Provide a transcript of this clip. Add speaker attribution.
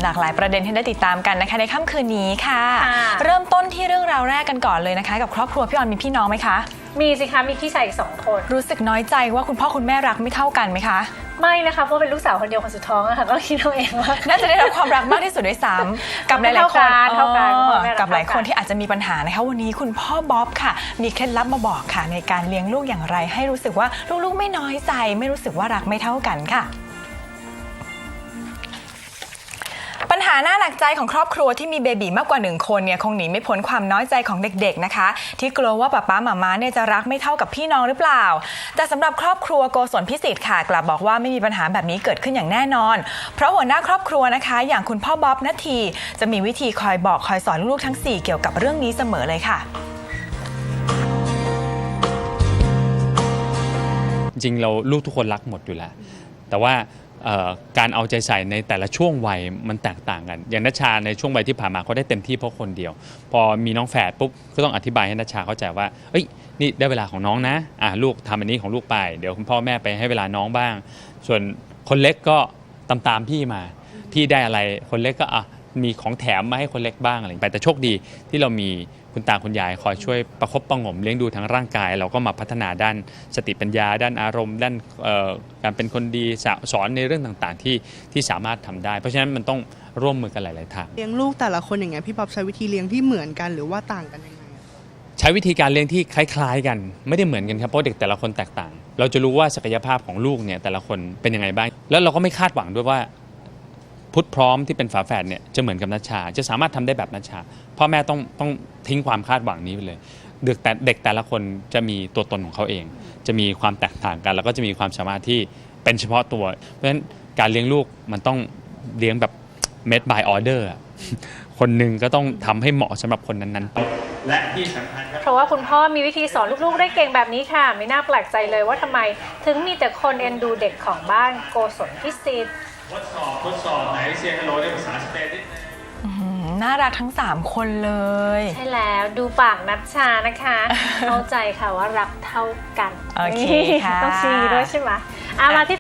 Speaker 1: ากหลายประเด็นที่ได้ติดตามกันนะคะในค่ำคืนนี้ค่ะเริ่มต้นที่เรื่องราวแรกกันก่อนเลยนะคะกับครอบครัวพี่ออนมีพี่น้องไหมคะ
Speaker 2: มีสิคะมีพี่ชายอีก2 คน
Speaker 1: รู้สึกน้อยใจว่าคุณพ่อคุณแม่รักไม่เท่ากันไหมคะ
Speaker 2: ไม่นะคะเพราะเป็นลูกสาวคนเดียวคนสุดท้องอะค่ะก็คิดเอาเองว่า
Speaker 1: น่าจะได้รับความรักมากที่สุดด้วยซ้ำกับหลายๆคนกับหลายคนที่อาจจะมีปัญหานะคะวันนี้คุณพ่อบ๊อบค่ะมีเคล็ดลับมาบอกค่ะในการเลี้ยงลูกอย่างไรให้รู้สึกว่าลูกๆไม่น้อยใจไม่รู้สึกว่ารักไม่เท่ากันค่ะปัญหาหน้าหนักใจของครอบครัวที่มีเบบีมากกว่า1 คนเนี่ยคงหนีไม่พ้นความน้อยใจของเด็กๆนะคะที่กลัวว่าป๊าหม่าเนี่ยจะรักไม่เท่ากับพี่น้องหรือเปล่าแต่สำหรับครอบครัวโกศลพิสิทธิ์ค่ะกลับบอกว่าไม่มีปัญหาแบบนี้เกิดขึ้นอย่างแน่นอนเพราะหัวหน้าครอบครัวนะคะอย่างคุณพ่อบ๊อบณทีจะมีวิธีคอยบอกคอยสอนลูกๆทั้ง4เกี่ยวกับเรื่องนี้เสมอเลยค่ะ
Speaker 3: จริงเราลูกทุกคนรักหมดอยู่แล้วแต่ว่าการเอาใจใส่ในแต่ละช่วงวัยมันแตกต่างกันอย่างณชาในช่วงวัยที่ผ่านมาเขาได้เต็มที่เพราะคนเดียวพอมีน้องแฝดปุ๊บก็ต้องอธิบายให้ณชาเข้าใจว่าเอ้ยนี่ได้เวลาของน้องนะลูกทำอันนี้ของลูกไปเดี๋ยวคุณพ่อแม่ไปให้เวลาน้องบ้างส่วนคนเล็กก็ตามพี่มาพี่ได้อะไรคนเล็กก็มีของแถมมาให้คนเล็กบ้างอะไรไปแต่โชคดีที่เรามีคุณตาคุณยายคอยช่วยประคบประหงมเลี้ยงดูทั้งร่างกายเราก็มาพัฒนาด้านสติปัญญาด้านอารมณ์ด้านการเป็นคนดีสอนในเรื่องต่างๆที่สามารถทำได้เพราะฉะนั้นมันต้องร่วมมือกันหลายๆทาง
Speaker 4: เลี้ยงลูกแต่ละคนอย่างเงี้ยพี่ป๊อบใช้วิธีเลี้ยงที่เหมือนกันหรือว่าต่างกันยังไง
Speaker 3: ใช้วิธีการเลี้ยงที่คล้ายๆกันไม่ได้เหมือนกันครับเพราะเด็กแต่ละคนแตกต่างเราจะรู้ว่าศักยภาพของลูกเนี่ยแต่ละคนเป็นยังไงบ้างแล้วเราก็ไม่คาดหวังด้วยว่าพุทธพร้อมที่เป็นฝาแฝดเนี่ยจะเหมือนกับณชาจะสามารถทำได้แบบณชาพ่อแม่ต้องทิ้งความคาดหวังนี้ไปเลยเด็กแต่ละคนจะมีตัวตนของเขาเองจะมีความแตกต่างกันแล้วก็จะมีความสามารถที่เป็นเฉพาะตัวเพราะฉะนั้นการเลี้ยงลูกมันต้องเลี้ยงแบบ made by order คนหนึ่งก็ต้องทำให้เหมาะสำหรับคนนั้นๆและที่สำคัญ
Speaker 2: เพราะว่าคุณพ่อมีวิธีสอนลูกๆได้เก่งแบบนี้ค่ะไม่น่าแปลกใจเลยว่าทำไมถึงมีแต่คนเอ็นดูเด็กของบ้านโกศลพิสิทธิ์
Speaker 3: ทดสอบไหนเซียนฮัลโหลในภาษาสเปนนิดนึง
Speaker 1: น่ารักทั้ง3 คนเลย
Speaker 2: ใช่แล้วดูปากณชานะคะเข้าใจค่ะว่ารักเท่ากัน
Speaker 1: โอเคค่ะ
Speaker 2: ต้องชี้ด้วยใช่ไหมมาที่